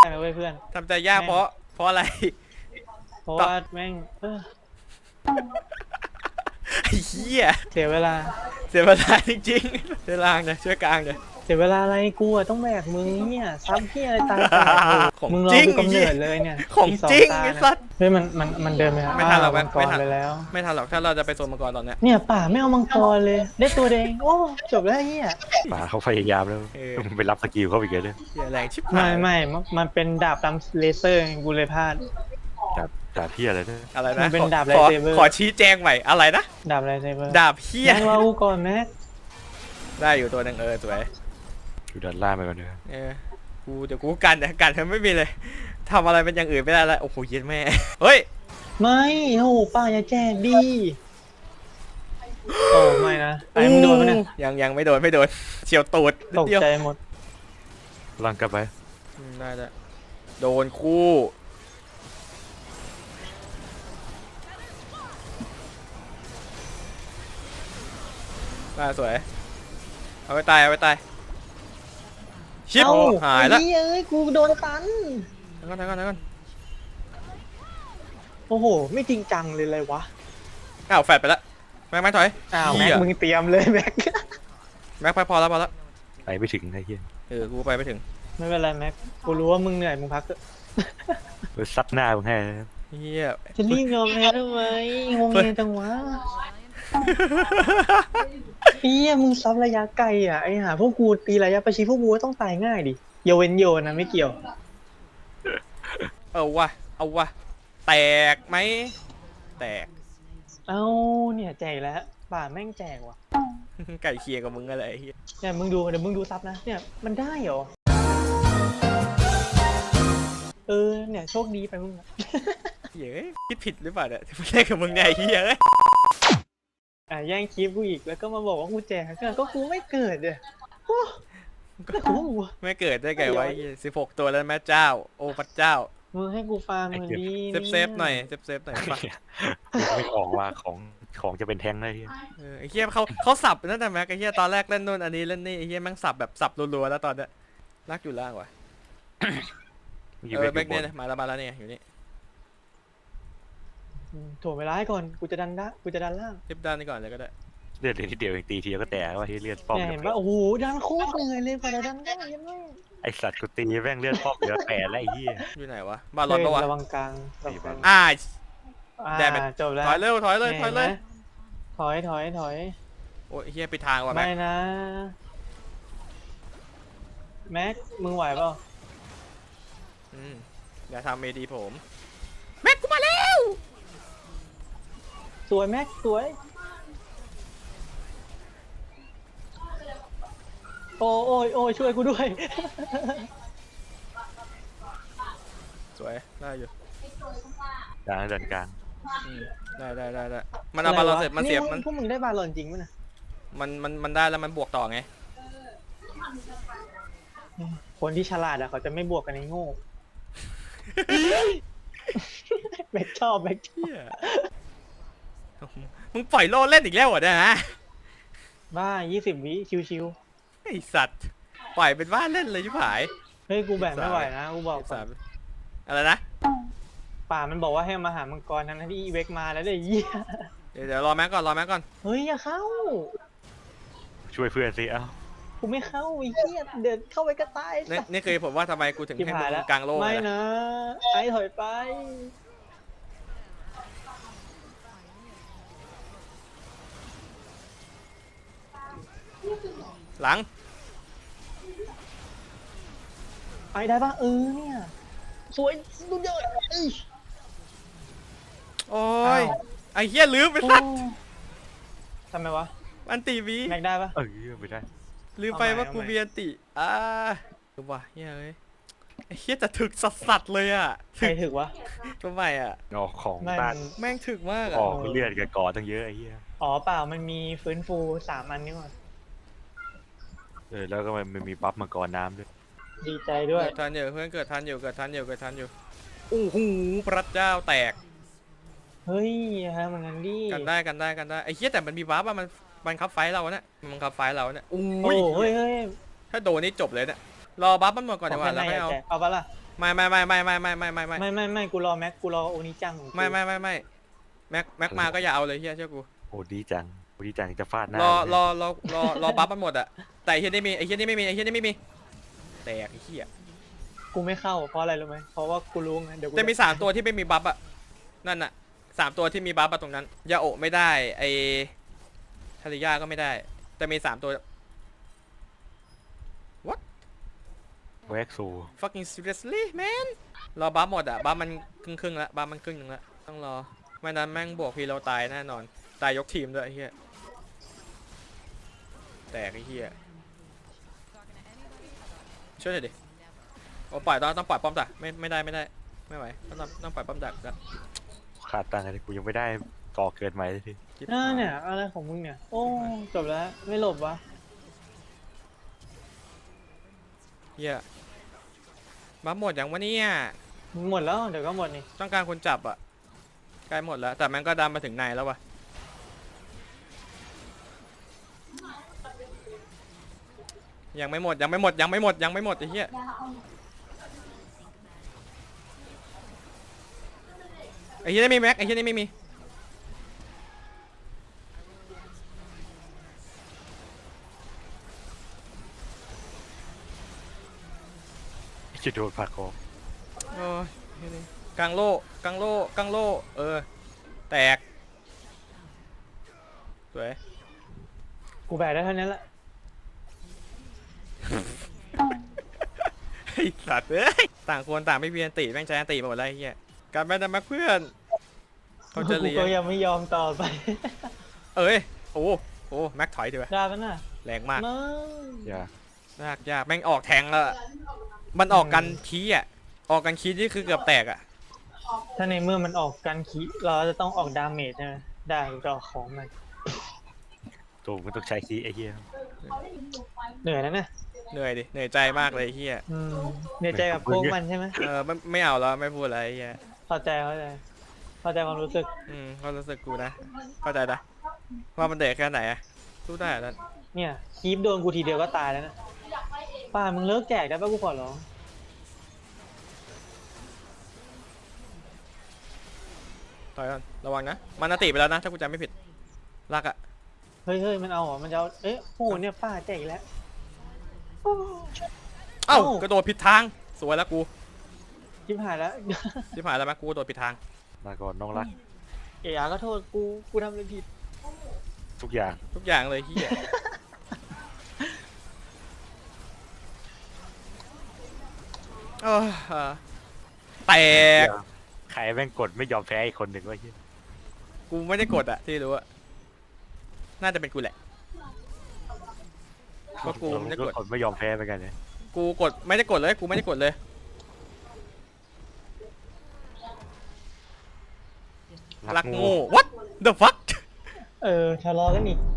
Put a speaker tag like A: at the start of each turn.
A: นะเว้ยเพื่อน
B: ทำใจยากเพราะอะไร
A: เพราะว่าแม่ง
B: ไอ้เหี้ย
A: เสียเวลา
B: เสียเวลาจริงๆช่วยล่างเลยช่วยกลางเลย
A: เสียเวลาอะไรกูอะต้องแบกมึงเนี่ยซ้ำพี่อะไรตายแตก
B: ของ
A: มึงรอ
B: จริง
A: กูกำเนิดเลยเนี่ย
B: ของ
A: อีกสอ
B: จ
A: ง
B: ริง
A: ตา
B: ไอ้
A: นะ
B: สัส
A: เฮ้ยมันเดินไป
B: ไม่ทันหรอก
A: มังก
B: ไม่
A: ร
B: ทัน
A: ไปแล้ว
B: ไม่ทันหรอกถ้าเราจะไปโซนมังกรตอนเนี้ย
A: เนี่ยป่าไม่เอามังกรเลยได้ตัวแดงโอ้จบแล้วเฮีย
C: ป่าเขาพยายามแล้วมึงไปรับสกิลเขาอีกเลย
B: เหี้ยแรงชิบ
A: ไม่
B: หาย
A: ไม่มันเป็นดาบลำเลเซอร์ไงกูเลยพลาด
C: ดาบพี่อะไรเนี่ย
B: อะไร
A: มั
B: นะ
A: นเป็นดาบ
B: ขอ
A: lightsaber
B: ขอชี้แจงใหม่อะไรนะ
A: ดาบอะไรเซเบอร์
B: ดาบเหี้ย
A: แม็กรอกูก่อนแม็ก
B: ได้อยู่ตัวหนึ่งสวย
C: อยู่ด้านล่างไปก่อนเถอะ
B: เดี๋ยวกูกันเธอไม่มีเลยทำอะไรเป็นอย่างอื่นไม่ได้แล้วโอ้โหเย็นแม่เฮ้ย
A: ไม่โอ้ป่าอย่าแจกดิโอ้ไม่นะไอ้มึงโดนไหมเนี่ย
B: ยังไม่โดนเฉียวตูด
A: ตก
B: เดียว
A: ใจหมด
C: ล่างกลับไป
B: ได้แล้วโดนคู่มาสวยเอาไปตายชิป
A: เอ้า
B: หายแล้ว
A: ไอ้เหี้ยเอ้ยกูโดนตัน
B: ทั้งก่อน
A: โอ้โหไม่จริงจังเลยเลยวะ
B: อ้าวแฟดไปแล้วแม็กถอย
A: อ้าว
B: เหี้
A: แม็ก
B: ย
A: มึงเตรียมเลยแม็ก
B: แม็กไปพอแล้ว
C: ไปไม่ถึงไอ้เหี้ย
B: กูไปไม่ถึง
A: ไม่เป็นไรแม็กกูรู้ว่ามึงเหนื่อยมึงพักเถอะ
C: ซัดหน้ามึงให้
B: เฮีย
A: จะรีบยอมแพ้ทำไมงงเงียจังวะเฮียมึงซับระยะไกลอ่ะไอ้ห่าพวกกูตีระยะประชิดพวกกูก็ต้องตายง่ายดิโยเว้นโยนนะไม่เกี่ยว
B: เอาวะแตกไหมแตก
A: เอ้าเนี่ยแจกแล้วป่าแม่งแจกว่ะ
B: ไก่เคียงกับมึงอะไรเฮีย
A: เนี่ยมึงดูเดี๋ยวมึงดูซับนะเนี่ยมันได้เหรอเนี่ยโชคดีไปมึงอะ
B: เฮ้ยคิดผิดหรือเปล่าเนี่ยที่มาเล่นกับมึงไงเฮียเอ้ย
A: แย่งคลิปกูอีกแล้วก็มาบอกว่ากูแจกก็กูไม่เกิดเลยโอ้แล้วกู
B: ไม่เกิดได้ไงวะ16 ตัวแล้วแม่เจ้าโอ้พระเจ้า
A: มึงให้กูฟังมันดี
B: เซฟหน่อยป่ะ
C: ไม่ออกว่าของจะเป็นแท้งได้เหี้ย
B: ไอ้เฮียเขาสับนั่นแต่แม็กไอ้เฮียตอนแรกเล่นนู่นอันนี้เล่นนี่ไอ้เฮียแม่งสับแบบสับรัวๆแล้วตอนเนี้ยลากอยู่ล่างว่ะแม็กเนี่ยมาแล้วเนี่ยอยู่นี่
A: ถ่วงเวลาให้ก่อนกูจะดันล่าง
B: รีบด้านนี้ก่อนเลยก็ได้
C: เลือดนิดเดียวเองตีทีก็แตกว่าที่เลือดป้อม
A: เนี่ยเห็นปะโอ้โหดันโคตรเหนื่อยเลยกว่าจะดันได้ยังไง
C: ไอสัตว์กูตีแม่งเลือดป้อมเหลือ8แล้วไอ้เหี้ย
B: อยู่ไหนวะบาลอนปะวะ
A: ระวังกลาง
B: อ่า
A: อ่า
B: ได้เป็น
A: จบแล้ว
B: ถอยเร็วถอยเลย
A: ถอย
B: โอ้ยเฮียไปทางว่ะแม็
A: ไม่
B: ก
A: นะแม็กมึงไหวเปล่า
B: อย่าทำเมดีผมแม็กกูมาแล้ว
A: สวยแม็กสวยโอ้ยช่วยกูด้วย
B: สวยได้อยู่
C: ด้านกลาง
B: ได้มันเอาบาลอนเสร็จมันเสียบมัน
A: พวกมึงได้บาลอนจริงมั้ยนะ
B: มันได้แล้วมันบวกต่อไง
A: คนที่ฉลาดอะเขาจะไม่บวกกันในโง่ แม็กชอบ
B: เฮียมึงปล่อยโล่เล่นอีกแล้วเหรอเนี่ยฮะ
A: บ้า20 วิชิว
B: ไอสัตว์ปล่อยเป็นบ้านเล่นเลยชิบหาย
A: ๆเฮ้ยกูแบกไม่ไหวนะกูบอกก่อน
B: อะไรนะ
A: ป่ามันบอกว่าให้มาหามังกรทั้งที่อีเวกมาแล้วเดี๋ยวเหี้ย
B: เดี๋ยวรอแม็กก่อน
A: เฮ้ยอย่าเข้า
C: ช่วยเพื่อนสิเอ้า
A: กูไม่เข้าไอ้เหี้ยเดินเข้าไปก็ตาย
B: นี่คือผมว่าทำไมกูถึง
A: ชิบ
B: ให้
A: หาย
B: มึ
A: แล้ว
B: งกลางโล่
A: ไม่
B: นะ
A: นะไอ้ถอยไป
B: หลัง
A: ไอ้ได้ปะเนี่ยสวยสุดยอดเอ้ย
B: โอ้ย
A: อ้าว
B: ไอ้เฮียลืมไปสัตว์
A: ทำไมวะ
B: อันตีวี
A: แม็กได้ปะ
C: ไม่ได้
B: ลืมไปว่ากูมีอันติดูว่ะเฮียเอ้ยไอ้เฮียจะถึกสัสๆเลยอ่ะ
A: ใครถึกวะ
B: ทำไมอ่ะ
C: ออกของ
A: ไม่
C: ต้าน
B: แม่งถึกมาก
C: อ
B: อ่ะ
C: อกเลือดกับกอตั้งเยอะไอ้เหี้ย
A: อ๋อเปล่ามันมีฟื้นฟู3 อันนี่หว่า
C: แล้วก็มันมีบัฟมังกรน้ำด้วย
A: ดีใจด้วย
B: เกิดทันอยู่เพื่อนเกิดทันอยู่โอ้โหพระเจ้าแตก
A: เฮ้ยฮะมันงั้นดิ
B: กันได้ไอ้เฮียแต่มันมีวาร์ปอะมันคับไฟเราเนี่ยมันคับไฟเราเนี่ย
A: โอ้
B: อุ้ย
A: เฮ้ย
B: ถ้าโดนนี่จบเลยเนี่ยรอบัฟมันหมดก่อนดีกว่าแล้วไม่เอา
A: เอาปะล่ะ
B: ไม่
A: กูรอแม็กกูรอโอนิจังของกู
B: ไม่แม็กมาก็อย่าเอาเลยเฮียเชื่อกู
C: โอ้ดีจังจะฟาดหน้าร
B: อบัฟมันหมดอะแต่ไอ้เฮียนี่มีไอ้เฮียนี่ไม่มีแตกไอ้เฮีย
A: กูไม่เข้าเพราะอะไรรู้ไหมเพราะว่ากูรู้ไงเดี๋ยวกู
B: จะมี3ตัวที่ไม่มีบัฟอะนั่นน่ะ3ตัวที่มีบัฟอะตรงนั้นยาโอะไม่ได้ไอทาริยาก็ไม่ได้แต่มี3ตัว
C: แวกซู
B: fucking seriously man รอบัฟหมดอะบัฟมันครึ่งละบัฟมันครึ่งนึงละต้องรอไม่นั้นแม่งบวกพีเราตายแน่นอนตายยกทีมด้วยไอ้เฮียแตกไอ้เฮียช่วยหน่อยดิโอ้ปล่อยต้องปล่อยป้อมดักไม่ได้ไม่ไหวต้องปล่อยป้อมดักละ
C: ขาดตังค์อะไรกูยังไม่ได้ก่อเกิดใหม่เลยที
B: จิ๊บ
A: เนี่ยอะไรของมึงเนี่ยโอ้จบแล้วไม่หลบวะ
B: เฮียบัฟหมดอย่างวะเนี่ย
A: หมดแล้วเดี๋ยวก็หมดนี่
B: ต้องการคนจับอะใกล้หมดแล้วแต่มันก็ดันมาถึงในแล้ววะยังไม่หมดไอ้เหี้ยนี่ไม่มีแม็กไอ้เหี้ยนี่ไม่มี
C: จะโดนผักคอ
B: โอ้ยเหี้ยนี่กลางโล่แตกสวย
A: กูแบกได้เท่านั้นแหละ
B: ไอ้สัตว์เอ้ยต่างคนต่างไม่เวียนตีแม่งใจอันตีมาหมดแล้วไอ้เหี้ยการแม่แต่มาเพื่อนเขาจะ
A: กู
B: เลีย
A: ก็ยังไม่ยอมต่อไป
B: เอ้ยโอ้แม็กถอยดีกว่า
A: ได้ปะน่ะ
B: แรงมาก
A: ไม่
C: อย่าย
B: ากแม่งออกแทงแล้วอะมันออกกันคีย์อ่ะออกกันคีย์นี่คือเกือบแตกอ่ะ
A: ถ้าในเมื่อมันออกกันคีเราจะต้องออกดาเมจใช่ไหมได้กูจะออกของมัน
C: ตัวมันต้องใช้คีย์ไอ้เหี้ย
A: เหนื่อยแล้วเนี่ย
B: เหนื่อยดิเหนื่อยใจมากเลยไอ้เฮีย
A: เหนื่อยใจกับพวกมันใช่ไหม
B: ไม่เอาแล้วไม่พูดอะไรไอ้เฮีย
A: เข้าใจความรู้สึก
B: เขารู้สึกกูนะเข้าใจนะว่ามันเด็กแค่ไหนอะสู้ได้แล้ว
A: เนี่ยคีบโดนกูทีเดียวก็ตายแล้วนะป้ามึงเลิกแจกได้ปะกูขอร้อง
B: ต่อยก่อนระวังนะมันนาติไปแล้วนะถ้ากูจำไม่ผิดรักอะ
A: เฮ้ยมันเอาเหรอมันจะเอาเอ๊ะโอ้โหเนี่ยป้าแจกอีกแล้วโอ้
B: เอ้ากระโดดผิดทางสวยแล้วกู
A: ชิบหายแล้ว
B: ชิบหายแล้วมั้ยกูกระโดดผิดทาง
C: มาก่อนน้องรัก
A: เอ๋ก็โทษกูทำอะไรผิด
C: ทุกอย่าง
B: ทุกอย่างเลยเฮียแตก
C: ใครแม่งกดไม่ยอมแพ้อีกคนหนึ่งวะเหี้ย
B: กูไม่ได้กดอะที่รู้อะน่าจะเป็นกูแหละก็กูไม่ได้กด
C: คนไม่ยอมแพ้เหมือนกันเนี่ย
B: กูกดไม่ได้กดเลยกูไม่ได้กดเลย รักโง่ what the fuck
A: ทะเลาะกันอีก